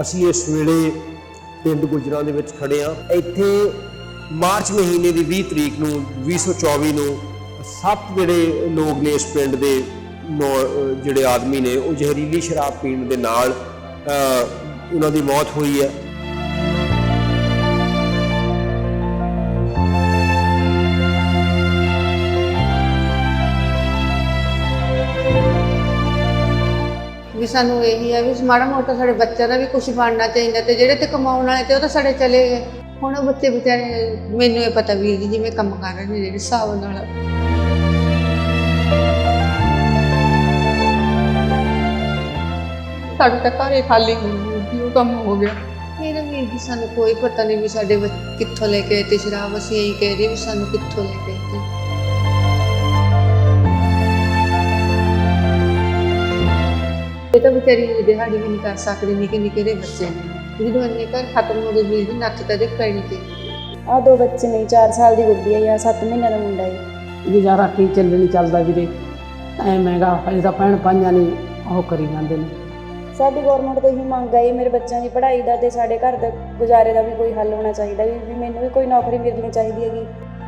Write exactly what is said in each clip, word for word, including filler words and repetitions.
ਅਸੀਂ ਇਸ ਵੇਲੇ ਪਿੰਡ ਗੁਜਰਾਂ ਦੇ ਵਿੱਚ ਖੜੇ ਹਾਂ। ਇੱਥੇ ਮਾਰਚ ਮਹੀਨੇ ਦੀ ਵੀਹ ਤਰੀਕ ਨੂੰ ਵੀਹ ਸੌ ਚੌਵੀ ਨੂੰ ਸੱਤ ਜਿਹੜੇ ਲੋਕ ਨੇ ਇਸ ਪਿੰਡ ਦੇ ਜਿਹੜੇ ਆਦਮੀ ਨੇ ਉਹ ਜ਼ਹਿਰੀਲੀ ਸ਼ਰਾਬ ਪੀਣ ਦੇ ਨਾਲ ਉਹਨਾਂ ਦੀ ਮੌਤ ਹੋਈ ਹੈ। ਵੀ ਸਾਨੂੰ ਇਹੀ ਹੈ ਵੀ ਮਾੜਾ ਮੋਟਾ ਸਾਡੇ ਬੱਚਿਆਂ ਦਾ ਵੀ ਕੁਝ ਬਣਨਾ ਚਾਹੀਦਾ ਤੇ ਜਿਹੜੇ ਤੇ ਕਮਾਉਣ ਵਾਲੇ ਤੇ ਉਹ ਤਾਂ ਸਾਡੇ ਚਲੇ ਗਏ। ਹੁਣ ਉਹ ਬੱਚੇ ਵਿਚਾਰੇ ਮੈਨੂੰ ਇਹ ਪਤਾ ਵੀਰ ਜੀ ਜਿਵੇਂ ਕੰਮ ਕਰ ਰਹੇ ਨੇ ਜਿਹੜੇ ਹਿਸਾਬ ਨਾਲ ਸਾਡੇ ਤਾਂ ਘਰ ਹੀ ਖਾਲੀ ਹੋ ਗਈ, ਉਹ ਕੰਮ ਹੋ ਗਿਆ। ਫਿਰ ਵੀਰ ਜੀ ਸਾਨੂੰ ਕੋਈ ਪਤਾ ਨਹੀਂ ਵੀ ਸਾਡੇ ਕਿੱਥੋਂ ਲੈ ਕੇ ਆਏ ਤੇ ਸ਼ਰਾਬ। ਅਸੀਂ ਇਹੀ ਕਹਿ ਰਹੇ ਵੀ ਸਾਨੂੰ ਕਿੱਥੋਂ ਲੈ ਕੇ ਆਏ ਤੇ ਇਹ ਤਾਂ ਵਿਚਾਰੀ ਦਿਹਾੜੀ ਵੀ ਨਹੀਂ ਕਰ ਸਕਦੇ, ਨਿੱਕੇ ਨਿੱਕੇ ਦੇ ਬੱਚੇ ਨੇ। ਜਦੋਂ ਇੰਨੇ ਘਰ ਖਤਮ ਹੋ ਗਏ ਵੀਰ ਜੀ ਨੱਥ ਤਾਂ ਦੇਖ ਪੈਣੀ ਚਾਹੀਦੀ। ਆਹ ਦੋ ਬੱਚੇ ਨੇ, ਚਾਰ ਸਾਲ ਦੀ ਗੁੱਡੀ ਹੈ ਜਾਂ ਸੱਤ ਮਹੀਨਿਆਂ ਦਾ ਮੁੰਡਾ ਹੈ। ਗੁਜ਼ਾਰਾ ਕੀ ਚੱਲਣੀ ਚੱਲਦਾ ਵੀਰੇ, ਐ ਮਹਿੰਗਾ ਹਜੇ ਤਾਂ ਭੈਣ ਭਾਈਆਂ ਨੇ ਉਹ ਕਰੀ ਜਾਂਦੇ ਨੇ। ਸਾਡੀ ਗੌਰਮੈਂਟ ਤੋਂ ਇਹੀ ਮੰਗ ਹੈ ਮੇਰੇ ਬੱਚਿਆਂ ਦੀ ਪੜ੍ਹਾਈ ਦਾ ਤੇ ਸਾਡੇ ਘਰ ਦੇ ਗੁਜ਼ਾਰੇ ਦਾ ਵੀ ਕੋਈ ਹੱਲ ਹੋਣਾ ਚਾਹੀਦਾ ਵੀ ਵੀ ਮੈਨੂੰ ਵੀ ਕੋਈ ਨੌਕਰੀ ਮਿਲਣੀ ਚਾਹੀਦੀ ਹੈਗੀ।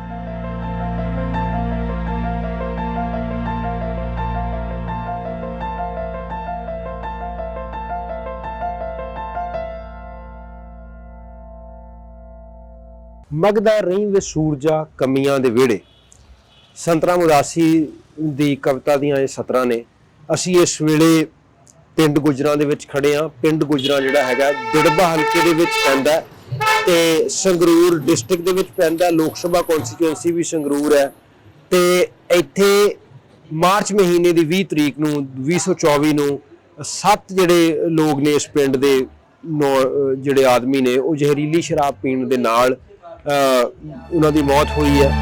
ਮਗਦਾ ਰਹੀ ਵੇ ਸੂਰਜਾ ਕਮੀਆਂ ਦੇ ਵਿਹੜੇ, ਸੰਤਰਾ ਮੁਦਾਸੀ ਦੀ ਕਵਿਤਾ ਦੀਆਂ ਇਹ ਸਤਰਾਂ ਨੇ। ਅਸੀਂ ਇਸ ਵੇਲੇ ਪਿੰਡ ਗੁਜਰਾਂ ਦੇ ਵਿੱਚ ਖੜੇ ਹਾਂ। ਪਿੰਡ ਗੁਜਰਾਂ ਜਿਹੜਾ ਹੈਗਾ ਦਿੜਬਾ ਹਲਕੇ ਦੇ ਵਿੱਚ ਪੈਂਦਾ ਤੇ ਸੰਗਰੂਰ ਡਿਸਟ੍ਰਿਕਟ ਦੇ ਵਿੱਚ ਪੈਂਦਾ। ਲੋਕ ਸਭਾ ਕੌਂਸਟੀਚੁਐਂਸੀ ਵੀ ਸੰਗਰੂਰ ਹੈ ਤੇ ਇੱਥੇ ਮਾਰਚ ਮਹੀਨੇ ਦੀ ਵੀਹ ਤਰੀਕ ਨੂੰ ਵੀਹ ਸੌ ਚੌਵੀ ਨੂੰ ਸੱਤ ਜਿਹੜੇ ਲੋਕ ਨੇ ਇਸ ਪਿੰਡ ਦੇ ਜਿਹੜੇ ਆਦਮੀ ਨੇ ਉਹ ਜ਼ਹਿਰੀਲੀ ਸ਼ਰਾਬ ਪੀਣ ਦੇ ਨਾਲ ਉਹਨਾਂ ਦੀ ਮੌਤ ਹੋਈ ਹੈ।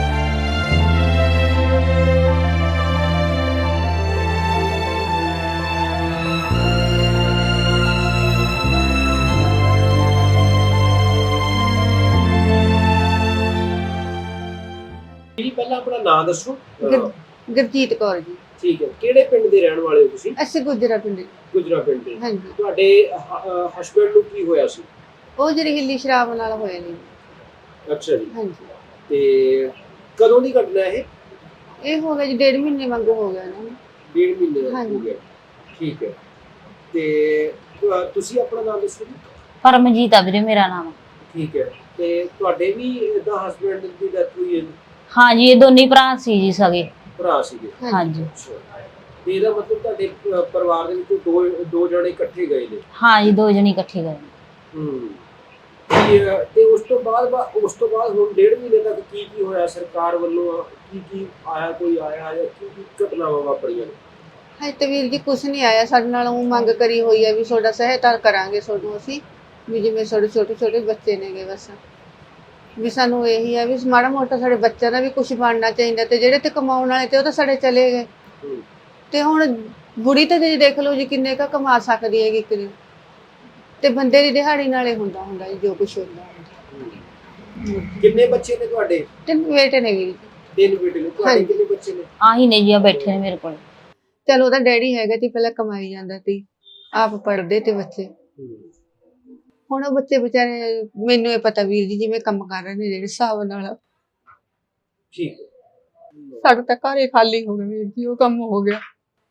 ਜੀ ਪਹਿਲਾਂ ਆਪਣਾ ਨਾਮ ਦੱਸੋ। ਗੁਰਜੀਤ ਕੌਰ ਜੀ। ਠੀਕ ਹੈ, ਕਿਹੜੇ ਪਿੰਡ ਦੇ ਰਹਿਣ ਵਾਲੇ ਹੋ ਤੁਸੀਂ? ਅਸੀਂ ਗੁਜਰਾ ਪਿੰਡ। ਗੁਜਰਾ ਪਿੰਡ ਦੇ। ਹਾਂਜੀ। ਤੁਹਾਡੇ ਹਸਬੰਡ ਨੂੰ ਕੀ ਹੋਇਆ ਸੀ? ਉਹ ਜ਼ਹਿਰੀਲੀ ਸ਼ਰਾਬ ਨਾਲ ਹੋਇਆ ਨੇ। ਅੱਛਾ ਜੀ। ਹਾਂਜੀ। ਤੇ ਕਦੋਂ ਦੀ ਘਟਨਾ ਇਹ? ਇਹ ਹੋ ਗਿਆ ਜੀ ਡੇਢ ਮਹੀਨੇ ਵਾਂਗੂ ਹੋ ਗਿਆ ਨਾ। ਡੇਢ ਮਹੀਨੇ ਦਾ ਹੋ ਗਿਆ। ਠੀਕ ਹੈ। ਤੇ ਤੁਸੀਂ ਆਪਣਾ ਨਾਮ ਦੱਸੋ ਜੀ। ਪਰਮਜੀਤ ਆ ਵੀਰੇ ਮੇਰਾ ਨਾਮ। ਠੀਕ ਹੈ। ਤੇ ਤੁਹਾਡੇ ਵੀ ਇਹਦਾ ਹਸਬੰਡ ਦੀ ਡੈਥ ਹੋਈ ਹੈ? ਹਾਂ ਜੀ, ਇਹ ਦੋਨੇ ਭਰਾ ਸੀ ਜੀ, ਸਗੇ ਭਰਾ ਸੀਗੇ। ਹਾਂਜੀ। ਤੇ ਇਹਦਾ ਮਤਲਬ ਤੁਹਾਡੇ ਪਰਿਵਾਰ ਦੇ ਵਿੱਚ ਦੋ ਦੋ ਜਣੇ ਇਕੱਠੇ ਗਏ ਨੇ? ਹਾਂ ਜੀ, ਦੋ ਜਣੇ ਇਕੱਠੇ ਗਏ। ਹੂੰ। ਤੇ ਉਸ ਤੋਂ ਬਾਅਦ ਉਸ ਤੋਂ ਬਾਅਦ ਹੁਣ ਡੇਢ ਮਹੀਨੇ ਤੱਕ ਕੀ ਕੀ ਹੋਇਆ? ਸਰਕਾਰ ਵੱਲੋਂ ਕੀ ਕੀ ਆਇਆ? ਕੋਈ ਆਇਆ ਜਾਂ ਕੀ ਕੀ ਘਟਨਾਵਾਂ ਵਾਪਰੀਆਂ ਨੇ? ਹਾਂ ਤੇ ਵੀਰ ਜੀ ਕੁਛ ਨਹੀਂ ਆਇਆ ਸਾਡੇ ਨਾਲ। ਉਹ ਮੰਗ ਕਰੀ ਹੋਈ ਹੈ ਵੀ ਤੁਹਾਡਾ ਸਹਾਇਤਾ ਕਰਾਂਗੇ ਤੁਹਾਨੂੰ ਅਸੀਂ, ਵੀ ਜਿਵੇਂ ਸਾਡੇ ਛੋਟੇ ਛੋਟੇ ਬੱਚੇ ਨੇਗੇ ਬਸ ਵੀ ਸਾਨੂੰ ਇਹੀ ਹੈ ਵੀ ਮਾੜਾ ਮੋਟਾ ਸਾਡੇ ਬੱਚਿਆਂ ਦਾ ਵੀ ਕੁਝ ਬਣਨਾ ਚਾਹੀਦਾ ਤੇ ਜਿਹੜੇ ਤੇ ਕਮਾਉਣ ਵਾਲੇ ਤੇ ਉਹ ਤਾਂ ਸਾਡੇ ਚਲੇ ਗਏ। ਤੇ ਹੁਣ ਬੁੜੀ ਤਾਂ ਜੀ ਦੇਖ ਲਓ ਜੀ ਕਿੰਨੇ ਕੁ ਕਮਾ ਸਕਦੀ ਹੈਗੀ ਇੱਕ ਦਿਨ, ਤੇ ਬੰਦੇ ਦੀ ਦਿਹਾੜੀ ਨਾਲੇ ਹੁੰਦਾ ਹੁੰਦਾ ਜੀ ਜੋ ਕੁਛ ਹੁੰਦਾ। ਕਿੰਨੇ ਬੱਚੇ ਨੇ ਤੁਹਾਡੇ? ਤਿੰਨ ਬੇਟੇ ਨੇ ਵੀਰ। ਤਿੰਨ ਬੇਟੇ ਨੇ ਤੁਹਾਡੇ? ਕਿੰਨੇ ਬੱਚੇ ਨੇ? ਆਹੀ ਨੇ ਜੀ, ਆ ਬੈਠੇ ਨੇ ਮੇਰੇ ਕੋਲ। ਚਲ ਉਹਦਾ ਡੈਡੀ ਹੈਗਾ ਸੀ ਪਹਿਲਾਂ, ਕਮਾਈ ਜਾਂਦਾ ਸੀ, ਆਪ ਪੜ੍ਹਦੇ ਤੇ ਬੱਚੇ। ਹੁਣ ਉਹ ਬੱਚੇ ਵਿਚਾਰੇ ਮੈਨੂੰ ਇਹ ਪਤਾ ਵੀਰ ਜੀ ਜਿਵੇਂ ਕੰਮ ਕਰ ਰਹੇ ਨੇ ਜਿਹੜੇ ਹਿਸਾਬ ਨਾਲ। ਠੀਕ ਹੈ। ਸਾਡਾ ਤਾਂ ਘਰ ਹੀ ਖਾਲੀ ਹੋ ਗਿਆ ਵੀਰ ਜੀ, ਉਹ ਕੰਮ ਹੋ ਗਿਆ।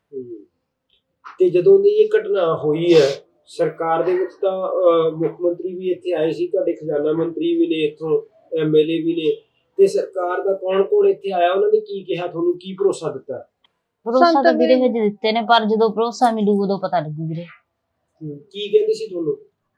ਤੇ ਜਦੋਂ ਦੀ ਇਹ ਘਟਨਾ ਹੋਈ ਹੈ ਸਰਕਾਰ ਦੇ ਵਿੱਚ ਤਾਂ ਮੁੱਖ ਮੰਤਰੀ ਵੀ ਇੱਥੇ ਆਏ ਸੀ, ਤੁਹਾਡੇ ਖਜ਼ਾਨਾ ਮੰਤਰੀ ਵੀ ਨੇ, ਇੱਥੋਂ ਐਮਐਲਏ ਵੀ ਨੇ, ਤੇ ਸਰਕਾਰ ਦਾ ਕੌਣ ਕੌਣ ਇੱਥੇ ਆਇਆ? ਉਹਨਾਂ ਨੇ ਕੀ ਕਿਹਾ ਤੁਹਾਨੂੰ? ਕੀ ਭਰੋਸਾ ਦਿੱਤਾ? ਭਰੋਸਾ ਤਾਂ ਵੀਰੇ ਹਜੇ ਦਿੱਤੇ ਨੇ, ਪਰ ਜਦੋਂ ਭਰੋਸਾ ਮਿਲੂ ਉਦੋਂ ਪਤਾ ਲੱਗੂ ਵੀਰੇ। ਕੀ ਕਹਿੰਦੇ ਸੀ ਤੁਹਾਨੂੰ?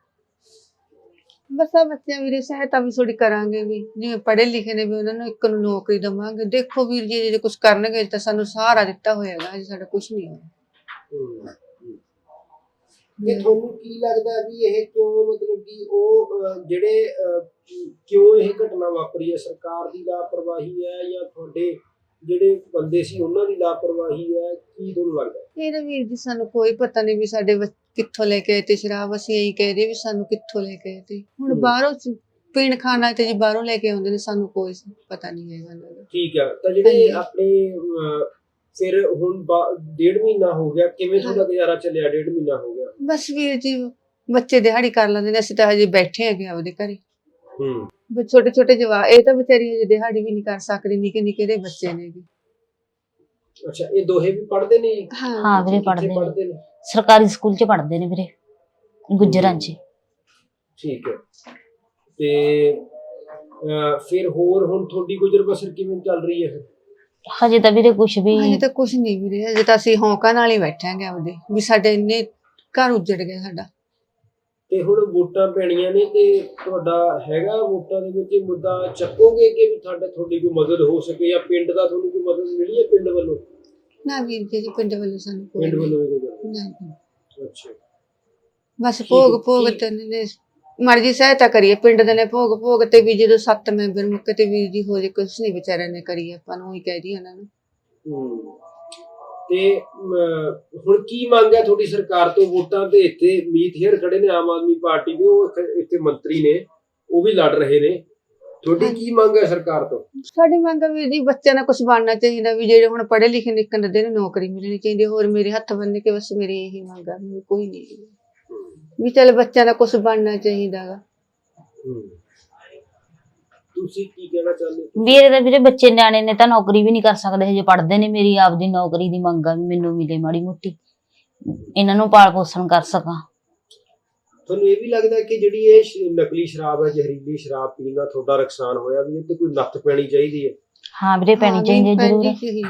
ਬਸ ਆ ਬੱਚਿਆਂ ਵੀਰੇ ਸਹਾਇਤਾ ਵੀ ਥੋੜੀ ਕਰਾਂਗੇ, ਵੀ ਜਿਵੇਂ ਪੜ੍ਹੇ ਲਿਖੇ ਨੇ ਵੀ ਉਹਨਾਂ ਨੂੰ ਇੱਕ ਨੂੰ ਨੌਕਰੀ ਦੇਵਾਂਗੇ। ਦੇਖੋ ਵੀਰ ਜੀ ਜੇ ਕੁਝ ਕਰਨਗੇ ਤਾਂ ਸਾਨੂੰ ਸਹਾਰਾ ਦਿੱਤਾ ਹੋਏਗਾ, ਜੇ ਸਾਡਾ ਕੁਝ ਨਹੀਂ ਹੋਇਆ। ਤੇ ਤੁਹਾਨੂੰ ਕੀ ਲੱਗਦਾ ਵੀ ਇਹ ਕਿਉਂ, ਮਤਲਬ ਕਿ ਉਹ ਜਿਹੜੇ ਕਿਉਂ ਇਹ ਘਟਨਾ ਵਾਪਰੀ ਹੈ? ਸਰਕਾਰ ਦੀ ਲਾਪਰਵਾਹੀ ਹੈ ਜਾਂ ਤੁਹਾਡੇ ਜਿਹੜੇ ਬੰਦੇ ਸੀ ਉਹਨਾਂ ਦੀ ਲਾਪਰਵਾਹੀ ਹੈ? ਕੀ ਤੁਹਾਨੂੰ ਲੱਗਦਾ? ਇਹ ਤਾਂ ਵੀਰ ਜੀ ਸਾਨੂੰ ਕੋਈ ਪਤਾ ਨਹੀਂ ਵੀ ਸਾਡੇ ਕਿੱਥੋਂ ਲੈ ਕੇ ਆਏ ਤੇ ਸ਼ਰਾਬ। ਅਸੀਂ ਇਹੀ ਕਹਿ ਰਹੇ ਵੀ ਸਾਨੂੰ ਕਿੱਥੋਂ ਲੈ ਕੇ ਆਏ ਤੇ। ਹੁਣ ਬਾਹਰੋਂ ਪੀਣ ਖਾਣਾ ਤੇ ਜੀ ਬਾਹਰੋਂ ਲੈ ਕੇ ਆਉਂਦੇ ਨੇ, ਸਾਨੂੰ ਕੋਈ ਪਤਾ ਨਹੀਂ ਹੈਗਾ। ਠੀਕ ਹੈ। ਤਾਂ ਜਿਹੜੇ ਆਪਣੇ ਫਿਰ ਹੁਣ ਡੇਢ ਮਹੀਨਾ ਹੋ ਗਿਆ, ਕਿਵੇਂ ਤੁਹਾਡਾ ਗੁਜ਼ਾਰਾ ਚੱਲਿਆ? ਡੇਢ ਮਹੀਨਾ ਹੋ ਗਿਆ। ਬਸ ਵੀਰ ਜੀ ਬੱਚੇ ਦਿਹਾੜੀ ਕਰ ਲੈਂਦੇ ਨੇ, ਅਸੀਂ ਤਾਂ ਹਜੇ ਬੈਠੇ ਹੈਗੇ ਆਪਦੇ ਘਰੇ। ਹੂੰ ਵੀ ਛੋਟੇ ਛੋਟੇ ਜਵਾਕ, ਇਹ ਤਾਂ ਵਿਚਾਰੀ ਹਜੇ ਦਿਹਾੜੀ ਵੀ ਨਹੀਂ ਕਰ ਸਕਦੀ, ਨਿੱਕੇ ਨਿੱਕੇ ਦੇ ਬੱਚੇ ਨੇ ਜੀ। ਅੱਛਾ, ਇਹ ਦੋਹੇ ਵੀ ਪੜ੍ਹਦੇ ਨੇ ਜੀ? ਹਾਂ ਵੀਰੇ ਕਿੱਥੇ ਪੜ੍ਹਦੇ ਨੇ, ਪੜ੍ਹਦੇ ਨੇ? ਸਰਕਾਰੀ ਸਕੂਲ 'ਚ ਪੜ੍ਹਦੇ ਨੇ ਵੀਰੇ, ਗੁੱਜਰਾਂ 'ਚ। ਠੀਕ ਹੈ। ਤੇ ਅਹ, ਫਿਰ ਹੋਰ ਹੁਣ ਤੁਹਾਡੀ ਗੁਜ਼ਰ ਬਸਰ ਕਿਵੇਂ ਚੱਲ ਰਹੀ ਹੈ ਫਿਰ? ਹਜੇ ਤਾਂ ਵੀਰੇ ਕੁਛ ਵੀ ਹਜੇ ਤਾਂ ਕੁਛ ਨਹੀਂ ਵੀਰੇ, ਹਜੇ ਤਾਂ ਅਸੀਂ ਹੌਂਕਾਂ ਨਾਲ ਹੀ ਬੈਠਾਂਗੇ ਆਪਦੇ, ਵੀ ਸਾਡੇ ਇੰਨੇ ਘਰ ਉੱਜੜ ਗਿਆ ਸਾਡਾ। ਤੇ ਹੁਣ ਵੋਟਾਂ ਪੈਣੀਆਂ ਨੇ ਤੇ ਤੁਹਾਡਾ ਹੈਗਾ ਵੋਟਾਂ ਦੇ ਵਿੱਚ ਇਹ ਮੁੱਦਾ ਚੱਕੋਗੇ ਕਿ ਵੀ ਤੁਹਾਡਾ ਤੁਹਾਡੀ ਕੋਈ ਮਦਦ ਹੋ ਸਕੇ, ਜਾਂ ਪਿੰਡ ਦਾ ਤੁਹਾਨੂੰ ਕੋਈ ਮਦਦ ਮਿਲੀ ਹੈ ਪਿੰਡ ਵੱਲੋਂ? ਨਾ ਵੀਰ ਜੀ, ਪਿੰਡ ਵੱਲੋਂ ਸਾਨੂੰ ਕੋਈ ਪਿੰਡ ਨਹੀਂ। ਵੱਲੋਂ ਵੀ ਕੋਈ ਗੱਲ ਨਹੀਂ। ਨਹੀਂ? ਅੱਛਾ, ਬਸ ਭੋਗ ਭੋਗ ਕੀ- ਤੇ ਨੇ ਮਰਜੀ ਸਹਾਇਤਾ ਕਰੀਏ ਪਿੰਡ ਦੇ ਨੇ, ਭੋਗ ਭੋਗ ਤੇ ਵੀ ਜਦੋਂ ਸੱਤ ਮੈਂਬਰ ਮੁੱਕੇ ਤੇ ਵੀਰ ਜੀ ਹੋ ਜੇ, ਕੁਛ ਨਹੀਂ ਵਿਚਾਰਿਆਂ ਨੇ ਕਰੀ, ਆਪਾਂ ਨੂੰ ਹੀ ਕਹਿ ਦੀ ਉਹਨਾਂ ਨੂੰ। ਹੂੰ ਤੇ ਅਮ, ਹੁਣ ਕੀ ਮੰਗ ਹੈ ਤੁਹਾਡੀ ਸਰਕਾਰ ਤੋਂ? ਵੋਟਾਂ ਤੇ ਇੱਥੇ ਮੀਤ ਹੇਅਰ ਖੜੇ ਨੇ ਆਮ ਆਦਮੀ ਪਾਰਟੀ ਦੇ, ਉਹ ਇੱਥੇ- ਇੱਥੇ ਮੰਤਰੀ ਨੇ, ਉਹ ਵੀ ਲੜ ਰਹੇ ਨੇ। ਤੁਹਾਡੀ ਕੀ ਮੰਗ ਹੈ ਸਰਕਾਰ ਤੋਂ? ਸਾਡੀ ਮੰਗ ਆ ਵੀਰ ਜੀ, ਬੱਚਿਆਂ ਦਾ ਕੁਝ ਬਣਨਾ ਚਾਹੀਦਾ, ਵੀ ਜਿਹੜੇ ਹੁਣ ਪੜ੍ਹੇ ਲਿਖੇ ਨਿਕਲਣ ਦੇ ਨੇ ਨੌਕਰੀ ਮਿਲਣੀ ਚਾਹੀਦੀ। ਹੋਰ ਮੇਰੇ ਹੱਥ ਬੰਨ੍ਹ ਕੇ ਬਸ ਮੇਰੀ ਇਹੀ ਮੰਗ ਆ, ਵੀ ਕੋਈ ਨਹੀਂ, ਵੀ ਚੱਲ ਬੱਚਿਆਂ ਦਾ ਕੁਝ ਬਣਨਾ ਚਾਹੀਦਾ ਗਾ। ਹੂੰ ਤੁਸੀਂ ਕੀ ਕਹਿਣਾ ਚਾਹੁੰਦੇ ਹੋ? ਵੀਰੇ ਦਾ ਵੀਰੇ ਬੱਚੇ ਨਿਆਣੇ ਨੇ ਤਾਂ ਨੌਕਰੀ ਵੀ ਨਹੀਂ ਕਰ ਸਕਦੇ, ਹਜੇ ਪੜ੍ਹਦੇ ਨੇ। ਮੇਰੀ ਆਪਦੀ ਨੌਕਰੀ ਦੀ ਮੰਗ ਆ ਵੀ ਮੈਨੂੰ ਮਿਲੇ ਮਾੜੀ ਮੋਟੀ, ਇਹਨਾਂ ਨੂੰ ਪਾਲ ਪੋਸ਼ਣ ਕਰ ਸਕਾਂ। ਤੁਹਾਨੂੰ ਇਹ ਵੀ ਲੱਗਦਾ ਕਿ ਜਿਹੜੀ ਇਹ ਸ਼- ਨਕਲੀ ਸ਼ਰਾਬ ਹੈ, ਜ਼ਹਿਰੀਲੀ ਸ਼ਰਾਬ ਪੀਣ ਨਾਲ ਤੁਹਾਡਾ ਨੁਕਸਾਨ ਹੋਇਆ, ਵੀ ਇਹ ਤੇ ਕੋਈ ਨੱਥ ਪੈਣੀ ਚਾਹੀਦੀ ਹੈ? ਹਾਂ ਵੀਰੇ ਪੈਣੀ ਚਾਹੀਦੀ ਹੈ ਜ਼ਰੂਰ।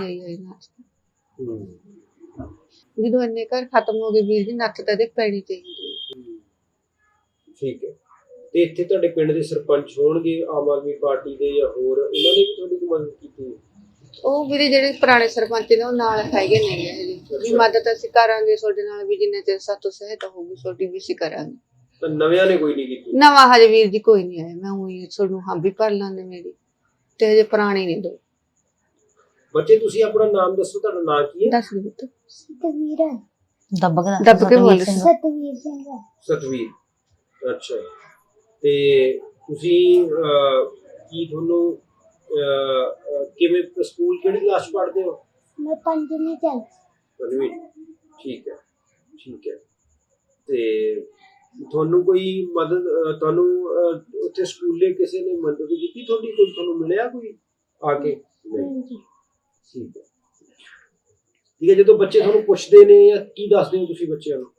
ਹੂੰ ਜਦੋਂ ਇੰਨੇ ਘਰ ਖਤਮ ਹੋ ਗਏ ਵੀਰ ਜੀ, ਨੱਥ ਤਾਂ ਦੇ ਪੈਣੀ ਚਾਹੀਦੀ ਹੈ। ਠੀਕ ਹੈ। ਤੇ ਇੱਥੇ ਤੁਹਾਡੇ ਪਿੰਡ ਦੇ ਸਰਪੰਚ ਹੋਣਗੇ ਆਮ ਆਦਮੀ ਪਾਰਟੀ ਦੇ ਜਾਂ ਹੋਰ, ਉਹਨਾਂ ਨੇ ਵੀ ਤੁਹਾਡੀ ਕੋਈ ਮਦਦ ਕੀਤੀ? ਉਹ ਵੀਰੇ ਜਿਹੜੇ ਪੁਰਾਣੇ ਸਰਪੰਚ ਨੇ ਉਹ ਨਾਲ ਹੈਗੇ ਨੇ ਜੀ, ਵੀ ਮਦਦ ਅਸੀਂ ਕਰਾਂਗੇ ਤੁਹਾਡੇ ਨਾਲ, ਵੀ ਜਿੰਨੇ ਚਿਰ ਸਾਤੋਂ ਸਹਾਇਤਾ ਹੋਊਗੀ ਤੁਹਾਡੀ ਵੀ ਅਸੀਂ ਕਰਾਂਗੇ। ਤਾਂ ਨਵਿਆਂ ਨੇ ਕੋਈ ਨਹੀਂ ਕੀਤੀ? ਨਵਾਂ ਹਜੇ ਵੀਰ ਜੀ ਕੋਈ ਨਹੀਂ ਆਇਆ, ਮੈਂ ਉਹੀ ਤੁਹਾਨੂੰ ਹਾਂ ਵੀ ਭਰ ਲਾਂਗੇ ਮੇਰੀ, ਤੇ ਹਜੇ ਪੁਰਾਣੇ ਨੇ ਦੋ। ਬੱਚੇ ਤੁਸੀਂ ਆਪਣਾ ਨਾਮ ਦੱਸੋ, ਤੁਹਾਡਾ ਨਾਮ ਕੀ ਹੈ? ਦੱਸ ਦੇ ਪੁੱਤ। ਸਤਵੀਰ ਦੱਬ ਕੇ ਦੱਬ ਕੇ ਬੋਲ। ਸਤਵੀਰ ਸਿੰਘ ਸਤਵੀਰ। ਅੱਛਾ, ਤੇ ਤੁਸੀਂ ਅਹ, ਕੀ ਤੁਹਾਨੂੰ ਅਹ, ਅਹ, ਕਿਵੇਂ ਸਕੂਲ ਕਿਹੜੀ ਕਲਾਸ ਪੜ੍ਹਦੇ ਹੋ? ਮੈਂ ਪੰਜਵੀਂ ਚ ਪੰਜਵੀਂ। ਠੀਕ ਹੈ, ਠੀਕ ਹੈ। ਤੇ ਤੁਹਾਨੂੰ ਕੋਈ ਮਦਦ ਅਹ, ਤੁਹਾਨੂੰ ਅਹ, ਉੱਥੇ ਸਕੂਲੇ ਕਿਸੇ ਨੇ ਮਦਦ ਕੀਤੀ ਤੁਹਾਡੀ? ਕੋਈ ਤੁਹਾਨੂੰ ਮਿਲਿਆ ਕੋਈ ਆ ਕੇ? ਨਹੀਂ। ਠੀਕ ਹੈ, ਠੀਕ ਹੈ। ਜਦੋਂ ਬੱਚੇ ਤੁਹਾਨੂੰ ਪੁੱਛਦੇ ਨੇ ਜਾਂ ਕੀ ਦੱਸਦੇ ਹੋ ਤੁਸੀਂ ਬੱਚਿਆਂ ਨੂੰ?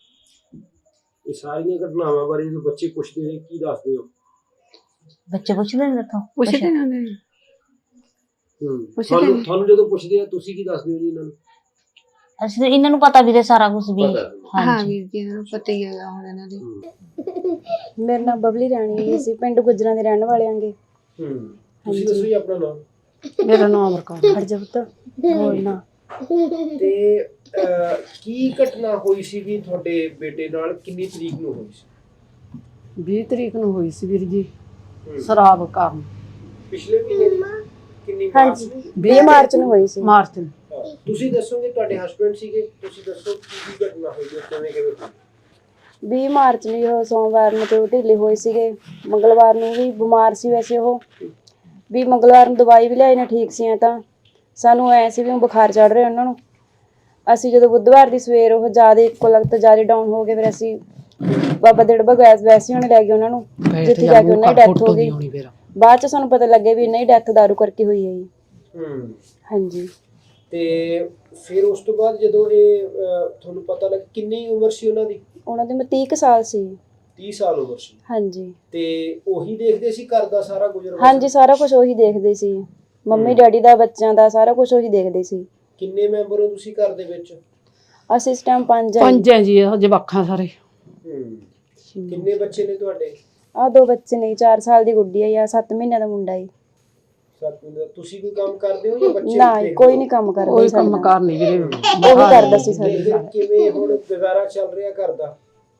ਇਹ ਸਾਰੀਆਂ ਘਟਨਾਵਾਂ ਬਾਰੇ ਜਦੋਂ ਬੱਚੇ ਪੁੱਛਦੇ ਨੇ ਕੀ ਦੱਸਦੇ ਹੋ? ਬੱਚੇ ਪੁੱਛਦੇ ਨੇ ਤਾਂ ਪੁੱਛਦੇ ਨੇ ਉਹਨੇ। ਹੂੰ ਪੁੱਛਦੇ ਤੁਹਾਨੂੰ ਨੇ। ਤੁਹਾਨੂੰ ਜਦੋਂ ਪੁੱਛਦੇ ਆ ਤੁਸੀਂ ਕੀ ਦੱਸਦੇ ਹੋ ਜੀ ਇਹਨਾਂ ਨੂੰ? ਅਸੀਂ ਤਾਂ ਇਹਨਾਂ ਨੂੰ ਪਤਾ ਵੀਰੇ ਸਾਰਾ ਕੁਝ ਵੀ। ਪਤਾ। ਹਾਂ ਹਾਂਜੀ ਵੀਰ ਜੀ, ਇਹਨਾਂ ਨੂੰ ਪਤਾ ਹੀ ਹੈਗਾ ਹੁਣ ਇਹਨਾਂ ਦੇ। ਹੂੰ ਮੇਰਾ ਨਾਮ ਬਬਲੀ ਰਾਣੀ ਹੈ, ਅਸੀਂ ਪਿੰਡ ਗੁੱਜਰਾਂ ਦੇ ਰਹਿਣ ਵਾਲੇ ਆਂਗੇ। ਹੂੰ ਤੁਸੀਂ ਦੱਸੋ ਜੀ ਆਪਣਾ ਨਾਮ। ਮੇਰਾ ਨਾਮ ਅਮਰਕੌਰ। ਹਟ ਜਾ ਪੁੱਤ, ਬੋਲਣਾ। ਤੇ ਅਹ, ਕੀ ਘਟਨਾ ਹੋਈ ਸੀ ਵੀ ਤੁਹਾਡੇ ਬੇਟੇ ਨਾਲ, ਕਿੰਨੀ ਤਰੀਕ ਨੂੰ ਹੋਈ ਸੀ? ਵੀਹ ਤਰੀਕ ਨੂੰ ਹੋਈ ਸੀ ਵੀਰ ਜੀ, ਹੂੰ। ਸ਼ਰਾਬ ਕਾਰਨ। ਪਿਛਲੇ ਮਹੀਨੇ ਦੀ? ਕਿੰਨੀ ਮਾਰਚ ਹਾਂਜੀ ਨੂੰ? ਵੀਹ ਮਾਰਚ ਨੂੰ ਹੋਈ ਸੀ। ਮਾਰਚ ਨੂੰ। ਹਾਂ, ਤੁਸੀਂ ਦੱਸੋਗੇ, ਤੁਹਾਡੇ ਹਸਬੰਡ ਸੀਗੇ, ਤੁਸੀਂ ਦੱਸੋ ਕੀ ਕੀ ਘਟਨਾ ਹੋਈ ਹੈ, ਕਿਵੇਂ ਕਿਵੇਂ ਹੋਈ? ਵੀਹ ਮਾਰਚ ਨੂੰ ਉਹ ਸੋਮਵਾਰ ਨੂੰ ਤੇ ਉਹ ਢਿੱਲੇ ਹੋਏ ਸੀਗੇ, ਮੰਗਲਵਾਰ ਨੂੰ ਵੀ ਬਿਮਾਰ ਸੀ ਵੈਸੇ ਉਹ, ਵੀ ਮੰਗਲਵਾਰ ਨੂੰ ਦਵਾਈ ਵੀ ਲਿਆਈ ਨਾ ਠੀਕ ਸੀ। ਤਾਂ ਸਾਨੂੰ ਐ ਸੀ ਵੀ ਉਹ ਬੁਖਾਰ ਚੜ ਰਿਹਾ ਉਹਨਾਂ ਨੂੰ। ਅਸੀਂ ਜਦੋਂ ਬੁੱਧਵਾਰ ਦੀ ਸਵੇਰ ਉਹ ਜ਼ਿਆਦਾ ਇੱਕੋ ਲਗਤ ਜ਼ਿਆਦਾ ਡਾਊਨ ਹੋ ਗਏ, ਫਿਰ ਅਸੀਂ ਬਾਬਾ ਦਿੜਬਾ ਗੈਸ ਵੈਸੇ ਹੁਣ ਲੈ ਗਏ ਉਹਨਾਂ ਨੂੰ, ਜਿੱਥੇ ਜਾ ਕੇ ਉਹਨਾਂ ਦੀ ਡੈਥ ਹੋ ਗਈ। ਬਾਅਦ ਚ ਸਾਨੂੰ ਪਤਾ ਲੱਗਿਆ ਵੀ ਇਹਨਾਂ ਦੀ ਡੈਥ ਦਾਰੂ ਕਰਕੇ ਹੋਈ ਹੈ ਜੀ। ਹੂੰ ਹਾਂਜੀ। ਤੇ ਫਿਰ ਉਸ ਤੋਂ ਬਾਅਦ ਜਦੋਂ ਇਹ ਅਹ, ਤੁਹਾਨੂੰ ਪਤਾ ਲੱਗ, ਕਿੰਨੀ ਉਮਰ ਸੀ ਉਹਨਾਂ ਦੀ? ਉਹਨਾਂ ਦੇ ਮੈਂ ਤੀਹ ਕੁ ਸਾਲ ਸੀ। ਤੀਹ ਸਾਲ ਉਮਰ ਸੀ। ਹਾਂਜੀ। ਤੇ ਉਹੀ ਦੇਖਦੇ ਸੀ ਘਰ ਦਾ ਸਾਰਾ ਗੁਜ਼ਰ? ਹਾਂਜੀ, ਸਾਰਾ ਕੁਝ ਉਹੀ ਦੇਖਦੇ ਸੀ, ਮੰਮੀ ਡੈਡੀ ਦਾ, ਬੱਚਿਆਂ ਦਾ, ਸਾਰਾ ਕੁਝ ਉਹੀ ਦੇਖਦੇ ਸੀ। ਕਿੰਨੇ ਮੈਂਬਰ ਹੋ ਤੁਸੀਂ ਘਰ ਦੇ ਵਿੱਚ? ਅਸੀਂ ਇਸ ਟਾਈਮ ਪੰਜ ਆ। ਪੰਜ ਹੈ ਜੀ, ਉਹ ਜਵਾਕਾਂ ਸਾਰੇ। ਹੂੰ ਕਿੰਨੇ ਬੱਚੇ ਨੇ ਤੁਹਾਡੇ? ਆ ਦੋ ਬੱਚੇ ਨੇ, ਚਾਰ ਸਾਲ ਦੀ ਗੁੱਡੀ ਆ ਜਾਂ ਸੱਤ ਮਹੀਨਿਆਂ ਦਾ ਮੁੰਡਾ ਈ। ਸੱਤ ਮਹੀਨੇ ਦਾ। ਤੁਸੀਂ ਕੋਈ ਕੰਮ ਕਰਦੇ ਹੋ ਜਾਂ ਬੱਚੇ? ਨਾ ਕੋਈ ਨਹੀਂ ਕੰਮ ਕਰਦਾ ਕੋਈ ਸਾਡੇ ਕੰਮ ਨਾਲ। ਕਾਰ ਨਹੀਂ ਵੀਰੇ, ਉਹ ਵੀ ਕਰਦਾ ਸੀ ਸਾਡੇ ਤੇ ਨਾਲ। ਕਿਵੇਂ ਹੁਣ ਗੁਜ਼ਾਰਾ ਚੱਲ ਰਿਹਾ ਘਰ ਦਾ?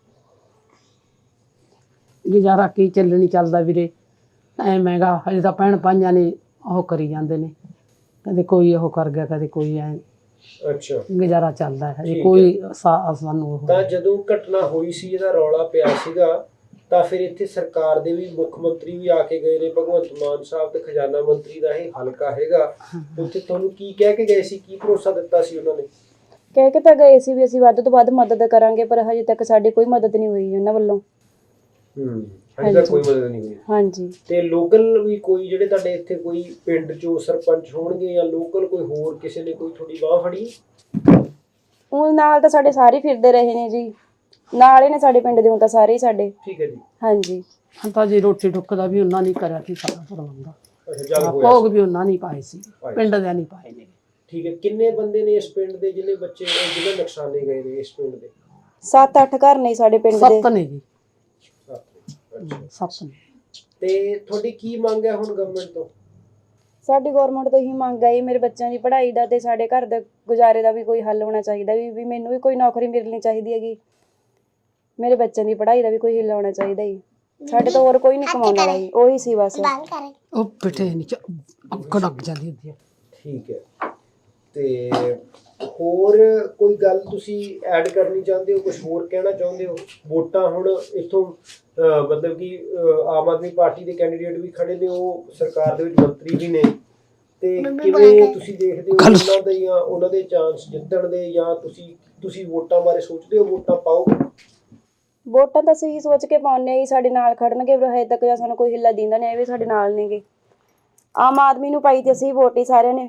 ਗੁਜ਼ਾਰਾ ਕੀ ਚੱਲਣੀ ਚੱਲਦਾ ਵੀਰੇ, ਐ ਮਹਿੰਗਾ। ਹਜੇ ਤਾਂ ਭੈਣ ਭਾਈਆਂ ਨੇ ਉਹ ਕਰੀ ਜਾਂਦੇ ਨੇ, ਕਦੇ ਕੋਈ ਉਹ ਕਰ ਗਿਆ, ਕਦੇ ਕੋਈ ਐ। ਅੱਛਾ, ਗੁਜ਼ਾਰਾ ਚੱਲਦਾ ਹੈ, ਹਜੇ ਠੀਕ ਕੋਈ ਸਾ- ਸਾਨੂੰ ਉਹ ਤਾਂ ਜਦੋਂ ਘਟਨਾ ਹੋਈ ਸੀ, ਇਹਦਾ ਰੌਲਾ ਪਿਆ ਸੀਗਾ, ਤਾਂ ਫਿਰ ਇੱਥੇ ਸਰਕਾਰ ਦੇ ਵੀ ਮੁੱਖ ਮੰਤਰੀ ਵੀ ਆ ਕੇ ਗਏ ਨੇ, ਭਗਵੰਤ ਮਾਨ ਸਾਹਿਬ, ਤੇ ਖਜ਼ਾਨਾ ਮੰਤਰੀ ਦਾ ਇਹ ਹਲਕਾ ਹੈਗਾ, ਉੱਥੇ ਤੁਹਾਨੂੰ ਕੀ ਕਹਿ ਕੇ ਗਏ ਸੀ, ਕੀ ਭਰੋਸਾ ਦਿੱਤਾ ਸੀ ਉਹਨਾਂ ਨੇ? ਕਹਿ ਕੇ ਤਾਂ ਗਏ ਸੀ ਵੀ ਅਸੀਂ ਵੱਧ ਤੋਂ ਵੱਧ ਮਦਦ ਕਰਾਂਗੇ, ਪਰ ਹਜੇ ਤੱਕ ਸਾਡੀ ਕੋਈ ਮਦਦ ਨਹੀਂ ਹੋਈ ਉਹਨਾਂ ਵੱਲੋਂ। ਹੂੰ ਹਜੇ ਤੱਕ ਕੋਈ ਮਦਦ ਨਹੀਂ ਹੋਈ। ਹਾਂਜੀ। ਤੇ ਲੋਕਲ ਵੀ ਕੋਈ ਜਿਹੜੇ ਤੁਹਾਡੇ ਇੱਥੇ ਕੋਈ ਪਿੰਡ ਚੋਂ ਸਰਪੰਚ ਹੋਣਗੇ ਜਾਂ ਲੋਕਲ ਕੋਈ ਹੋਰ ਕਿਸੇ ਨੇ ਕੋਈ ਤੁਹਾਡੀ ਬਾਹ ਫੜੀ? ਉਹ ਨਾਲ ਤਾਂ ਸਾਡੇ ਸਾਰੇ ਫਿਰਦੇ ਰਹੇ ਨੇ ਜੀ, ਨਾਲ ਹੀ ਨੇ ਸਾਡੇ ਪਿੰਡ ਦੇ, ਹੁਣ ਤਾਂ ਸਾਰੇ ਹੀ ਸਾਡੇ। ਠੀਕ ਹੈ ਜੀ। ਹਾਂਜੀ। ਹੁਣ ਤਾਂ ਜੀ ਰੋਟੀ ਟੁੱਕ ਦਾ ਵੀ ਉਹਨਾਂ ਨੇ ਕਰਿਆ ਸੀ ਸਾਰਾ ਪ੍ਰਬੰਧ, ਅੱਛਾ ਜਦ ਹੋਇਆ ਭੋਗ ਵੀ ਉਹਨਾਂ ਨੇ ਪਾਏ ਸੀ, ਪਿੰਡ ਦੇ ਨਹੀਂ ਪਾਏ ਨੇ। ਠੀਕ ਹੈ। ਕਿੰਨੇ ਬੰਦੇ ਨੇ ਇਸ ਪਿੰਡ ਦੇ ਜਿਹਨੇ ਬੱਚੇ ਨੇ ਜਿਹਨੇ ਨੁਕਸਾਨੇ ਗਏ ਨੇ ਇਸ ਪਿੰਡ ਦੇ? ਸੱਤ ਅੱਠ ਘਰ ਨੇ ਸਾਡੇ ਪਿੰਡ ਦੇ। ਸੱਤ ਨੇ ਜੀ, ਅੱਛਾ। ਸੱਤ ਨੇ। ਤੇ ਤੁਹਾਡੀ ਕੀ ਮੰਗ ਹੈ ਹੁਣ ਗਵਰਨਮੈਂਟ ਤੋਂ? ਸਾਡੀ ਗਵਰਨਮੈਂਟ ਤੋਂ ਹੀ ਮੰਗ ਹੈ ਮੇਰੇ ਬੱਚਿਆਂ ਦੀ ਪੜ੍ਹਾਈ ਦਾ ਤੇ ਸਾਡੇ ਘਰ ਦੇ ਗੁਜ਼ਾਰੇ ਦਾ ਵੀ ਕੋਈ ਹੱਲ ਹੋਣਾ ਚਾਹੀਦਾ, ਵੀ ਵੀ ਮੈਨੂੰ ਵੀ ਕੋਈ ਨੌਕਰੀ ਮਿਲਣੀ ਚਾਹੀਦੀ ਹੈਗੀ, ਮੇਰੇ ਬੱਚਿਆਂ ਦੀ ਪੜ੍ਹਾਈ ਦਾ ਵੀ ਕੋਈ ਹਿੱਲ ਹੋਣਾ ਚਾਹੀਦਾ ਜੀ। ਸਾਡੇ ਤੋਂ ਹੋਰ ਕੋਈ ਨਹੀਂ ਕਮਾਉਣ ਵਾਲਾ ਜੀ, ਉਹੀ ਸੀ ਬਸ। ਉਹ ਪਿੱਠੇ ਨੀਚੇ ਅੱਗ ਲੱਗ ਜਾਂਦੀ ਹੁੰਦੀ ਹੈ। ਠੀਕ ਹੈ। ਤੇ ਹੋਰ ਕੋਈ ਗੱਲ ਤੁਸੀਂ ਐਡ ਕਰਨੀ ਚਾਹੁੰਦੇ ਹੋ, ਕੁਝ ਹੋਰ ਕਹਿਣਾ ਚਾਹੁੰਦੇ ਹੋ? ਵੋਟਾਂ ਹੁਣ ਇੱਥੋਂ ਅਹ ਮਤਲਬ ਕਿ ਅਹ ਆਮ ਆਦਮੀ ਪਾਰਟੀ ਦੇ ਕੈਂਡੀਡੇਟ ਵੀ ਖੜੇ ਨੇ, ਉਹ ਸਰਕਾਰ ਦੇ ਵਿੱਚ ਮੰਤਰੀ ਵੀ ਨੇ, ਤੇ ਕਿਵੇਂ ਤੁਸੀਂ ਦੇਖਦੇ ਹੋ ਉਹਨਾਂ ਦੇ ਜਾਂ ਉਹਨਾਂ ਦੇ ਚਾਂਸ ਜਿੱਤਣ ਦੇ, ਜਾਂ ਤੁਸੀਂ ਤੁਸੀਂ ਵੋਟਾਂ ਬਾਰੇ ਸੋਚਦੇ ਹੋ ਵੋਟਾਂ ਪਾਓਗੇ? ਵੋਟਾਂ ਤਾਂ ਅਸੀਂ ਸੋਚ ਕੇ ਪਾਉਂਦੇ ਆ ਜੀ, ਸਾਡੇ ਨਾਲ ਖੜਨਗੇ, ਪਰ ਹਜੇ ਤੱਕ ਜਾਂ ਸਾਨੂੰ ਕੋਈ ਹਿੱਲਾ ਦਿੰਦਾ ਨਹੀਂ, ਇਹ ਵੀ ਸਾਡੇ ਨਾਲ ਨੇਗੇ। ਆਮ ਆਦਮੀ ਨੂੰ ਪਾਈ ਤੇ ਅਸੀਂ ਵੋਟ ਹੀ ਸਾਰਿਆਂ ਨੇ।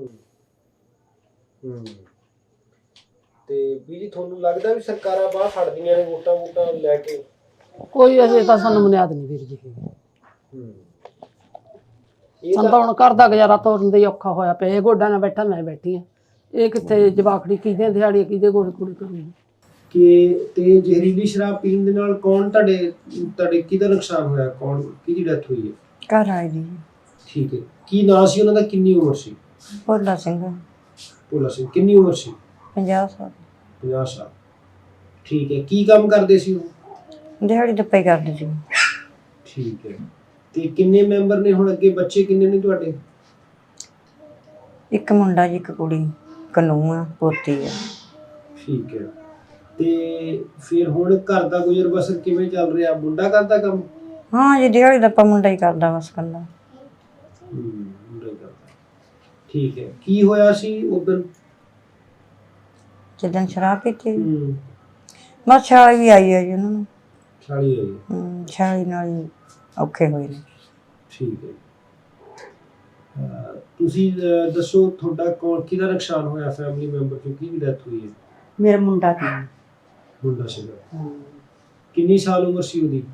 ਹੂੰ। ਤੇ ਵੀ ਜੀ ਤੁਹਾਨੂੰ ਲੱਗਦਾ ਵੀ ਸਰਕਾਰਾਂ ਬਾਹਰ ਫੜਦੀਆਂ ਨੇ ਵੋਟਾਂ ਵੋਟਾਂ ਲੈ ਕੇ? ਕੋਈ ਅਜੇ ਤਾਂ ਸਾਨੂੰ ਬੁਨਿਆਦ ਨਹੀਂ ਵੀਰ ਜੀ। ਹੂੰ। ਇਹ ਸਾਨੂੰ ਤਾਂ ਹੁਣ ਘਰ ਦਾ ਗੁਜ਼ਾਰਾ ਤੋਰਨ ਦੇ ਔਖਾ ਹੋਇਆ ਪਿਆ, ਇਹ ਗੋਡਾਂ ਨਾਲ ਬੈਠਾ ਮੈਂ ਬੈਠੀ ਆ, ਇਹ ਕਿੱਥੇ ਜਵਾਕੜੀ ਕਿਹਦੇ ਦਿਹਾੜੀ ਕਿਹਦੇ ਗੋਡ ਕੁੜੀ ਕਰੂਗੀ। ਕਿ ਤੇ ਜ਼ਹਿਰੀਲੀ ਸ਼ਰਾਬ ਪੀਣ ਦੇ ਨਾਲ ਕੌਣ ਤੁਹਾਡੇ ਤੁਹਾਡੇ ਕਿਹਦਾ ਨੁਕਸਾਨ ਹੋਇਆ, ਕੌਣ ਕਿਹਦੀ ਡੈਥ ਹੋਈ ਹੈ? ਘਰ ਆਏ ਜੀ ਠੀਕ ਹੈ। ਕੀ ਨਾਂ ਸੀ ਉਹਨਾਂ ਦਾ, ਕਿੰਨੀ ਉਮਰ ਸੀ? ਭੋਲਾ ਸਿੰਘ, ਭੋਲਾ ਸਿੰਘ। ਕਿੰਨੀ ਉਮਰ ਸੀ? ਪੰਜਾਹ ਸਾਲ। ਪੰਜਾਹ ਸਾਲ। ਠੀਕ ਹੈ। ਕੀ ਕੰਮ ਕਰਦੇ ਸੀ ਉਹ? ਦਿਹਾੜੀ ਦੱਪੇ ਕਰਦੇ ਸੀ। ਠੀਕ ਹੈ। ਤੇ ਕਿੰਨੇ ਮੈਂਬਰ ਨੇ ਹੁਣ ਅੱਗੇ, ਬੱਚੇ ਕਿੰਨੇ ਨੇ ਤੁਹਾਡੇ? ਇੱਕ ਮੁੰਡਾ ਜੀ, ਇੱਕ ਕੁੜੀ, ਕਨੂੰਹ ਆ, ਪੋਤੀ ਆ। ਠੀਕ ਹੈ। ਤੇ ਫਿਰ ਹੁਣ ਘਰ ਦਾ ਗੁਜ਼ਰ ਬਸਰ ਕਿਵੇਂ ਚੱਲ ਰਿਹਾ? ਮੁੰਡਾ ਕਰਦਾ ਕੰਮ? ਹਾਂ ਜੀ, ਦਿਹਾੜੀ ਦੱਪਾ ਮੁੰਡਾ ਹੀ ਕਰਦਾ ਬਸ ਕੱਲਾ। ਹੂੰ, ਮੁੰਡਾ ਹੀ ਕਰਦਾ। ਠੀਕ ਹੈ। ਕੀ ਹੋਇਆ ਸੀ ਉਦੋਂ? ਜਿੱਦਣ ਸ਼ਰਾਬ ਪੀਤੀ ਹੂੰ। ਬਸ ਛਾਲੀ ਵੀ ਆਈ ਹੈ ਜੀ ਉਹਨਾਂ ਨੂੰ। ਛਾਲੀ ਹੋਈ। ਹੂੰ, ਛਾਲੀ ਨਾਲ ਹੀ ਔਖੇ ਹੋਏ ਨੇ। ਠੀਕ ਹੈ। ਅਹ ਤੁਸੀਂ ਅਹ ਦੱਸੋ ਤੁਹਾਡਾ ਕੌਣ ਕਿਹਦਾ ਨੁਕਸਾਨ ਹੋਇਆ ਫੈਮਿਲੀ ਮੈਂਬਰ ਚੋਂ, ਕਿਹਦੀ ਡੈਥ ਹੋਈ ਹੈ? ਮੇਰਾ ਮੁੰਡਾ ਸੀ। ਮੁੰਡਾ ਸੀਗਾ। ਕਿੰਨੀ ਸਾਲ ਉਮਰ ਸੀ ਉਹਦੀ?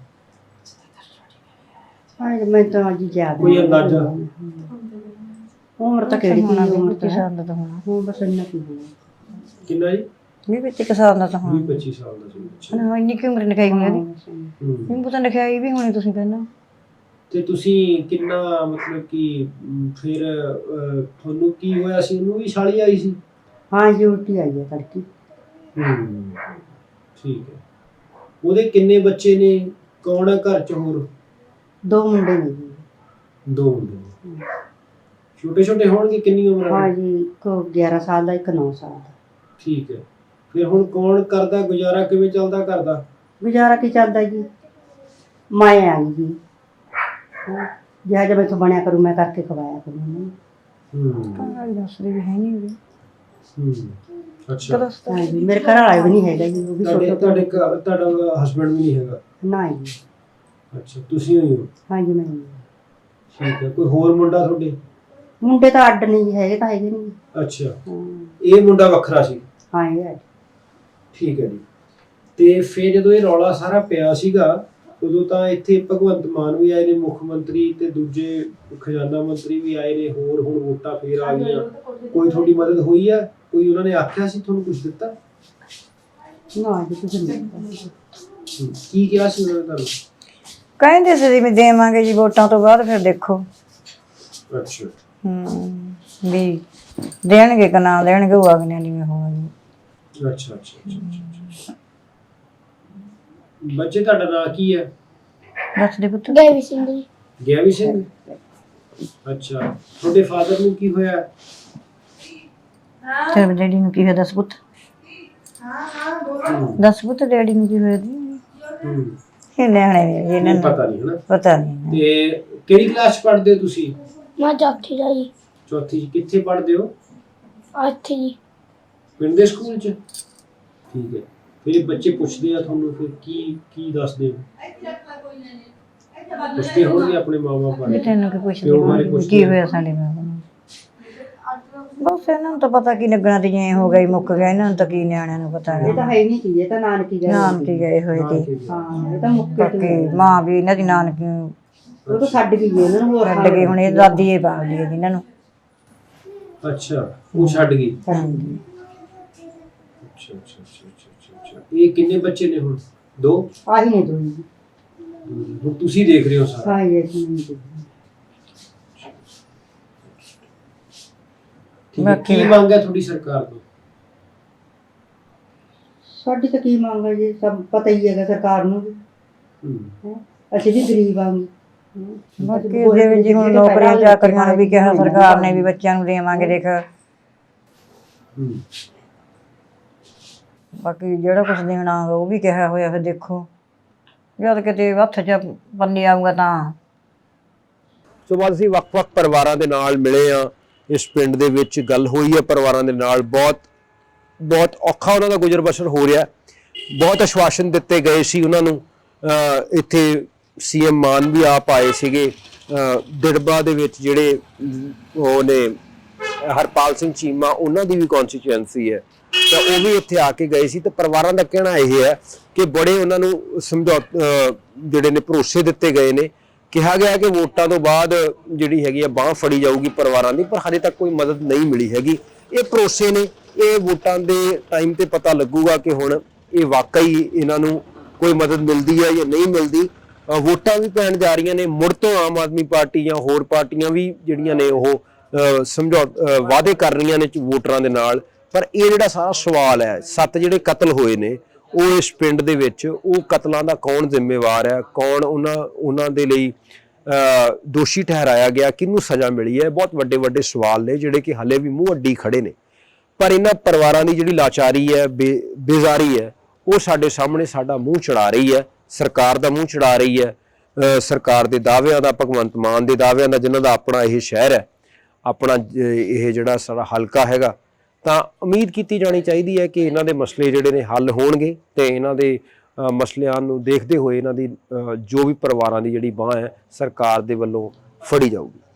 ਹਾਂ ਮੈਂ ਤਾਂ ਅੱਜ ਯਾਦ ਕੋਈ ਅੰਦਾਜ਼ਾ? ਉਮਰ ਤਾਂ ਕਿਹੜੀ ਹੋਣਾ, ਉਮਰ ਤਾਂ ਸਾਲ ਦਾ ਤਾਂ ਹੋਣਾ। ਉਹ ਬਸ ਇੰਨਾ ਕੀ ਹੋਣਾ, ਕਿੰਨਾ ਜੀ? ਵੀਹ ਪੱਚੀ ਸਾਲ ਦਾ ਤਾਂ ਵੀਹ ਹੋਣਾ। ਪੱਚੀ ਸਾਲ ਦਾ ਸੀ। ਅੱਛਾ। ਹਾਂ, ਇੰਨੀ ਕੀ ਉਮਰ ਲਿਖਾਈ ਹੋਣੀ ਉਹਦੀ। ਹੂੰ। ਮੈਨੂੰ ਪਤਾ ਲਿਖਾਈ ਵੀ ਹੋਣੀ ਤੁਸੀਂ ਪਹਿਲਾਂ। ਤੇ ਤੁਸੀਂ ਕਿੰਨਾ ਮਤਲਬ ਕਿ ਅਮ, ਫਿਰ ਅਹ, ਤੁਹਾਨੂੰ ਕੀ ਹੋਇਆ ਸੀ? ਉਹਨੂੰ ਵੀ ਛਾਲੀ ਆਈ ਸੀ? ਹਾਂ ਜੀ, ਉਲਟੀ ਆਈ ਹੈ ਤੜਕੀ। ਹੂੰ। ਠੀਕ ਹੈ। ਉਹਦੇ ਕਿੰਨੇ ਬੱਚੇ ਨੇ? ਕੌਣ ਹੈ ਘਰ ਚ ਹੋਰ? ਦੋ ਮੁੰਡੇ ਨੇ ਜੀ। ਦੋ ਮੁੰਡੇ ਨੇ। ਛੋਟੇ ਛੋਟੇ ਹੋਣਗੇ? ਕਿੰਨੀ ਉਮਰ ਹਾਂ ਹੈ? ਜੀ, ਇੱਕ ਗਿਆਰਾਂ ਸਾਲ ਦਾ, ਇੱਕ ਨੌ ਸਾਲ ਦਾ। ਠੀਕ ਹੈ। ਫਿਰ ਹੁਣ ਕੌਣ ਕਰਦਾ ਗੁਜ਼ਾਰਾ, ਕਿਵੇਂ ਚੱਲਦਾ ਕਰਦਾ? ਗੁਜ਼ਾਰਾ ਕੀ ਚੱਲਦਾ ਜੀ, ਮੈਂ ਆਈ ਜੀ, ਜਿਹਾ ਜਿਹਾ ਮੈਥੋਂ ਬਣਿਆ ਕਰੂ ਮੈਂ ਕਰਕੇ ਖਵਾਇਆ ਕਰੂ ਉਹਨੂੰ। ਹੂੰ। ਘਰ ਦੱਸਦੇ ਵੀ ਹੈ ਨਹੀਂ ਵੀ। ਹੂੰ। ਅੱਛਾ। ਹਾਂ ਜੀ, ਮੇਰੇ ਘਰ ਵਾਲਾ ਵੀ ਨਹੀਂ ਹੈਗਾ ਜੀ, ਉਹ ਵੀ ਤੁਹਾਡੇ ਛੋਟੇ ਤੁਹਾਡੇ ਘਰ- ਤੁਹਾਡਾ ਹਸਬੰਡ ਵੀ ਨਹੀਂ ਹੈਗਾ? ਨਾ ਜੀ। ਅੱਛਾ, ਤੁਸੀਂ ਹੋਈ ਹੋ। ਹਾਂ ਜੀ, ਮੈਂ ਠੀਕ ਹੈ। ਕੋਈ ਹੋਰ ਮੁੰਡਾ ਤੁਹਾਡੇ? ਮੁੰਡੇ ਤਾਂ ਅੱਡ ਨਹੀਂ ਹੈਗੇ, ਤਾਂ ਹੈਗੇ ਨਹੀਂ। ਅੱਛਾ। ਹਾਂ ਇਹ ਮੁੰਡਾ ਵੱਖਰਾ ਸੀ? ਹਾਂ ਇਹ ਹੈ। ਠੀਕ ਹੈ ਜੀ। ਤੇ ਫਿਰ ਜਦੋਂ ਇਹ ਰੌਲਾ ਸਾਰਾ ਪਿਆ ਸੀਗਾ, ਉਦੋਂ ਤਾਂ ਇੱਥੇ ਭਗਵੰਤ ਮਾਨ ਵੀ ਆਏ ਨੇ, ਮੁੱਖ ਮੰਤਰੀ, ਤੇ ਦੂਜੇ ਖਜ਼ਾਨਾ ਮੰਤਰੀ ਵੀ ਆਏ ਨੇ, ਹੋਰ ਹੁਣ ਵੋਟਾਂ ਫੇਰ ਆ ਗਈਆਂ। ਕੋਈ ਤੁਹਾਡੀ ਮਦਦ ਹੋਈ ਆ? ਕੋਈ ਉਹਨਾਂ ਨੇ ਆਖਿਆ ਸੀ ਤੁਹਾਨੂੰ ਕੁਝ ਦਿੱਤਾ? ਨਾ ਜੀ, ਕੁਝ ਨਹੀਂ। ਹੂੰ। ਕੀ ਕਿਹਾ ਸੀ ਉਹਨਾਂ ਨੇ ਤੁਹਾਨੂੰ? ਕਹਿੰਦੇ ਸੀ ਵੀ ਦੇਵਾਂਗੇ ਜੀ ਵੋਟਾਂ ਤੋਂ ਬਾਅਦ, ਫਿਰ ਦੇਖੋ। ਅੱਛਾ। ਹੂੰ, ਵੀ ਦੇਣਗੇ ਕਿ ਨਾ ਦੇਣਗੇ, ਉਹ ਅਗਲੇ ਨਹੀਂ ਹੋਣਾ ਜੀ। ਅੱਛਾ ਅੱਛਾ ਅੱਛਾ। ਬੱਚੇ ਤੁਹਾਡਾ ਨਾਂ ਕੀ ਹੈ? ਦੱਸ ਦੇ ਪੁੱਤ। ਗੈਵੀ ਸਿੰਘ ਜੀ। ਗਿਆਵੀ ਸਿੰਘ। ਅੱਛਾ। ਤੁਹਾਡੇ ਫਾਦਰ ਨੂੰ ਕੀ ਹੋਇਆ? ਤੇਰੇ ਡੈਡੀ ਨੂੰ ਕੀ ਹੋਇਆ ਦੱਸ ਪੁੱਤ। ਦੱਸ ਪੁੱਤ, ਡੈਡੀ ਨੂੰ ਕੀ ਹੋਇਆ ਜੀ? ਹੂੰ। ਇਹ ਨਿਆਣੇ ਨੇ ਜੀ, ਇਹਨਾਂ ਨਹੀਂ ਨੂੰ ਪਤਾ ਨਹੀਂ ਹਨਾ। ਪਤਾ ਨਹੀਂ। ਤੇ ਕਿਹੜੀ ਕਲਾਸ ਚ ਪੜ੍ਹਦੇ ਹੋ ਤੁਸੀਂ? ਮੈਂ ਚੌਥੀ ਦਾ ਜੀ। ਚੌਥੀ ਚ। ਕਿੱਥੇ ਪੜ੍ਹਦੇ ਹੋ? ਇੱਥੇ ਜੀ। ਪਿੰਡ ਦੇ ਸਕੂਲ 'ਚ? ਠੀਕ ਹੈ। ਫਿਰ ਬੱਚੇ ਪੁੱਛਦੇ ਆ ਤੁਹਾਨੂੰ, ਫਿਰ ਕੀ ਕੀ ਦੱਸਦੇ ਹੋ? ਪੁੱਛਦੇ ਹੋਣਗੇ ਆਪਣੇ ਮਾਂ-ਬਾਪ ਬਾਰੇ? ਤੈਨੂੰ ਕੀ ਪੁੱਛਦੇ ਪਿਓ ਬਾਰੇ ਕੀ ਪੁੱਛਦੇ ਹੋਇਆ ਸਾਡੇ ਨਾਲ? ਬਸ ਇਹਨਾਂ ਨੂੰ ਤਾਂ ਪਤਾ ਕੀ ਲੱਗਣਾ ਤੇ ਜੇ ਹੋ ਗਈ ਮੁੱਕ ਗਿਆ, ਇਹਨਾਂ ਨੂੰ ਤਾਂ ਕੀ ਨਿਆਣਿਆਂ ਨੂੰ ਪਤਾ ਇਹ ਤਾਂ ਹੈ। ਹੈ ਨਹੀਂ ਕੀ, ਇਹ ਤਾਂ ਨਾਨਕੀ ਗਏ ਨਾਨਕੀ ਗਏ ਹੋਏ ਤੇ ਹਾਂ, ਇਹ ਤਾਂ ਮੁੱਕੇ ਬਾਕੀ ਮਾਂ ਵੀ ਇਹਨਾਂ ਦੀ ਨਾਨਕੀ ਉਹ ਤਾਂ ਛੱਡ ਗਈ ਜੀ ਇਹਨਾਂ ਨੂੰ, ਹੋਰ ਛੱਡ ਗਏ, ਹੁਣ ਇਹ ਦਾਦੀ ਇਹ ਬਾਗਦੀ ਹੈ ਇਹਨਾਂ ਨੂੰ। ਅੱਛਾ, ਉਹ ਛੱਡ ਗਈ। ਹਾਂਜੀ। ਅੱਛਾ ਅੱਛਾ ਅੱਛਾ ਅੱਛਾ ਅੱਛਾ। ਇਹ ਕਿੰਨੇ ਬੱਚੇ ਨੇ ਹੁਣ? ਦੋ? ਆਹੀ ਨੇ ਦੋਈ ਹੁਣ ਤੁਸੀਂ ਦੇਖ ਰਹੇ ਹੋ ਸਾਰਾ? ਹਾਂ ਇਹ ਸੀ ਠੀਕ ਹੈ। ਕੀ ਮੰਗ ਹੈ ਤੁਹਾਡੀ ਸਰਕਾਰ ਤੋਂ? ਸਾਡੀ ਤਾਂ ਕੀ ਮੰਗ ਹੈ ਜੀ, ਸਭ ਪਤਾ ਹੀ ਹੈਗਾ ਸਰਕਾਰ ਨੂੰ ਵੀ। ਹੂੰ। ਹੈਂ। ਅਸੀਂ ਵੀ ਗਰੀਬ ਆਂਗੇ। ਬਾਕੀ ਜਿਵੇਂ ਜੀ ਹੁਣ ਨੌਕਰੀਆਂ ਚਾਕਰੀਆਂ ਨੂੰ ਵੀ ਕਿਹਾ ਸਰਕਾਰ ਨੇ ਵੀ ਬੱਚਿਆਂ ਨੂੰ ਦੇਵਾਂਗੇ ਦੇਖ। ਹੂੰ। ਬਾਕੀ ਜਿਹੜਾ ਕੁਝ ਦੇਣਾ ਉਹ ਵੀ ਕਿਹਾ ਹੋਇਆ, ਫਿਰ ਦੇਖੋ ਜਦ ਕਿਤੇ ਹੱਥ 'ਚ ਬੰਨੀ ਆਊਗਾ ਤਾਂ। ਸੋ ਬਾਅਦ ਅਸੀਂ ਵੱਖ-ਵੱਖ ਪਰਿਵਾਰਾਂ ਦੇ ਨਾਲ ਮਿਲੇ ਆ। ਇਸ ਪਿੰਡ ਦੇ ਵਿੱਚ ਗੱਲ ਹੋਈ ਹੈ ਪਰਿਵਾਰਾਂ ਦੇ ਨਾਲ, ਬਹੁਤ ਬਹੁਤ ਔਖਾ ਉਹਨਾਂ ਦਾ ਗੁਜ਼ਰ ਬਸਰ ਹੋ ਰਿਹਾ। ਬਹੁਤ ਆਸ਼ਵਾਸਨ ਦਿੱਤੇ ਗਏ ਸੀ ਉਹਨਾਂ ਨੂੰ। ਅਹ ਇੱਥੇ ਸੀਐਮ ਮਾਨ ਵੀ ਆਪ ਆਏ ਸੀਗੇ। ਅਹ ਦਿੜਬਾ ਦੇ ਵਿੱਚ ਜਿਹੜੇ ਉਹ ਨੇ ਹਰਪਾਲ ਸਿੰਘ ਚੀਮਾ, ਉਹਨਾਂ ਦੀ ਵੀ ਕੌਂਸਟੀਚੁਐਂਸੀ ਹੈ, ਤਾਂ ਉਹ ਵੀ ਇੱਥੇ ਆ ਕੇ ਗਏ ਸੀ। ਤੇ ਪਰਿਵਾਰਾਂ ਦਾ ਕਹਿਣਾ ਇਹ ਹੈ ਕਿ ਬੜੇ ਉਹਨਾਂ ਨੂੰ ਸਮਝੌ ਜਿਹੜੇ ਨੇ ਭਰੋਸੇ ਦਿੱਤੇ ਗਏ ਨੇ। ਕਿਹਾ ਗਿਆ ਕਿ ਵੋਟਾਂ ਤੋਂ ਬਾਅਦ ਜਿਹੜੀ ਹੈਗੀ ਆ ਬਾਂਹ ਫੜੀ ਜਾਊਗੀ ਪਰਿਵਾਰਾਂ ਦੀ, ਪਰ ਹਾਲੇ ਤੱਕ ਕੋਈ ਮਦਦ ਨਹੀਂ ਮਿਲੀ ਹੈਗੀ। ਇਹ ਭਰੋਸੇ ਨੇ, ਇਹ ਵੋਟਾਂ ਦੇ ਟਾਈਮ ਤੇ ਪਤਾ ਲੱਗੂਗਾ ਕਿ ਹੁਣ ਇਹ ਵਾਕਈ ਇਹਨਾਂ ਨੂੰ ਕੋਈ ਮਦਦ ਮਿਲਦੀ ਹੈ ਜਾਂ ਨਹੀਂ ਮਿਲਦੀ। ਵੋਟਾਂ ਵੀ ਪੈਣ ਜਾ ਰਹੀਆਂ ਨੇ, ਮੁੜ ਤੋਂ ਆਮ ਆਦਮੀ ਪਾਰਟੀ ਜਾਂ ਹੋਰ ਪਾਰਟੀਆਂ ਵੀ ਜਿਹੜੀਆਂ ਨੇ ਉਹ ਸਮਝੌ ਵਾਅਦੇ ਕਰ ਰਹੀਆਂ ਨੇ ਵੋਟਰਾਂ ਦੇ ਨਾਲ। ਪਰ ਇਹ ਜਿਹੜਾ ਸਾਰਾ ਸਵਾਲ ਹੈ, ਸੱਤ ਜਿਹੜੇ ਕਤਲ ਹੋਏ ਨੇ ਉਹ ਇਸ ਪਿੰਡ ਦੇ ਵਿੱਚ, ਉਹ ਕਤਲਾਂ ਦਾ ਕੌਣ ਜ਼ਿੰਮੇਵਾਰ ਹੈ, ਕੌਣ ਉਹਨਾਂ ਉਹਨਾਂ ਦੇ ਲਈ ਦੋਸ਼ੀ ਠਹਿਰਾਇਆ ਗਿਆ, ਕਿਹਨੂੰ ਸਜ਼ਾ ਮਿਲੀ ਹੈ, ਬਹੁਤ ਵੱਡੇ ਵੱਡੇ ਸਵਾਲ ਨੇ ਜਿਹੜੇ ਕਿ ਹਲੇ ਵੀ ਮੂੰਹ ਅੱਡੀ ਖੜੇ ਨੇ। ਪਰ ਇਹਨਾਂ ਪਰਿਵਾਰਾਂ ਦੀ ਜਿਹੜੀ ਲਾਚਾਰੀ ਹੈ, ਬੇ ਬੇਜ਼ਾਰੀ ਹੈ, ਉਹ ਸਾਡੇ ਸਾਹਮਣੇ ਸਾਡਾ ਮੂੰਹ ਚੜਾ ਰਹੀ ਹੈ, ਸਰਕਾਰ ਦਾ ਮੂੰਹ ਚੜਾ ਰਹੀ ਹੈ। ਸਰਕਾਰ ਦੇ ਦਾਅਵਿਆਂ ਦਾ, ਭਗਵੰਤ ਮਾਨ ਦੇ ਦਾਅਵਿਆਂ ਦਾ, ਜਿਨ੍ਹਾਂ ਦਾ ਆਪਣਾ ਇਹ ਸ਼ਹਿਰ ਹੈ, ਆਪਣਾ ਇਹ ਜਿਹੜਾ ਸਾਰਾ ਹਲਕਾ ਹੈਗਾ, ਤਾਂ ਉਮੀਦ ਕੀਤੀ ਜਾਣੀ ਚਾਹੀਦੀ ਹੈ ਕਿ ਇਹਨਾਂ ਦੇ ਮਸਲੇ ਜਿਹੜੇ ਨੇ ਹੱਲ ਹੋਣਗੇ ਤੇ ਇਹਨਾਂ ਦੇ ਮਸਲਿਆਂ ਨੂੰ ਦੇਖਦੇ ਹੋਏ ਇਹਨਾਂ ਦੀ ਜੋ ਵੀ ਪਰਿਵਾਰਾਂ ਦੀ ਜਿਹੜੀ ਬਾਂਹ ਹੈ ਸਰਕਾਰ ਦੇ ਵੱਲੋਂ ਫੜੀ ਜਾਊਗੀ।